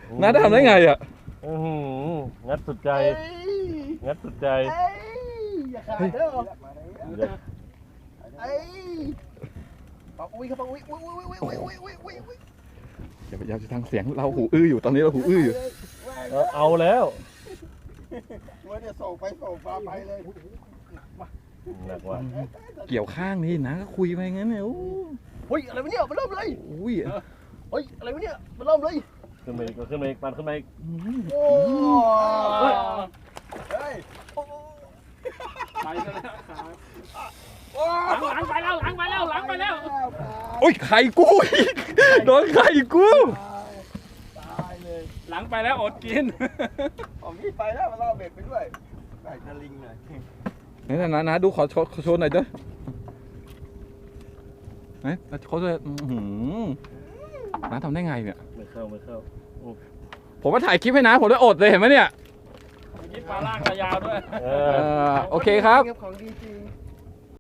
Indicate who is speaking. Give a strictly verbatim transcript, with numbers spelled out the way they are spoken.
Speaker 1: น้าได้ทำได้ไงอ่ะ
Speaker 2: อื้อหืองัดสุดใจ งัดสุดใจ
Speaker 3: อย่าขาดเด้อ
Speaker 2: เดี๋ยว
Speaker 3: ไอ้ปอกอุ้ยครับปอกอุ้ยอุ้ยอุ้ยอุ้ยอุ้ยอุ้ยอุ้ยอุ้ย
Speaker 1: อย่าพยายามจะทางเสียงเราหูอื้ออยู่ตอนนี้เราหูอื้ออยู่
Speaker 2: เออเอาแล้ว
Speaker 3: ว่าจะส่งไปส่งมาไปเลย
Speaker 2: หนักว่ะ
Speaker 1: เกี่ยวข้างนี่นะก็คุยไปงั้นเนี่ยโอ้
Speaker 3: เฮ้ยอะไรวะเนี่ยมันเริ่มเลย
Speaker 1: อุ้ย
Speaker 3: เฮ้ยอะไรวะเนี่ยมันเริ่มเลย
Speaker 2: ขึ้นมาอีกขึ้นมาอีกปันขึ้นมาอีก
Speaker 3: โอ้ยเฮ้ย
Speaker 4: ไปแล้วหลังหลังไปแล้วหลังไปแล้วหลังไปแล้ว
Speaker 1: โอ้ยไข่กูอีกโดนไข่กู
Speaker 3: ตายเลย
Speaker 4: หลังไปแล้วอดกิน
Speaker 3: ผมนี่ไปแล้วมันล่อเบ็ดไปด้วยใส่สลิงหน่อย
Speaker 1: นี่นะนะนะดูขอโชว์ขอโชว์หน่อยเด้อไหนเขาจะน้าทำได้ไงเนี่ย
Speaker 2: ไม่เข้าไม่เข้า
Speaker 1: ผมมาถ่ายคลิปให้นะผมได้อดเลยเห็นไหมเนี่ย
Speaker 4: กินปลาล่างระยาวด้วย
Speaker 2: เอ
Speaker 1: เอ
Speaker 2: อ
Speaker 1: อโอเคครับ
Speaker 3: ของดีจริง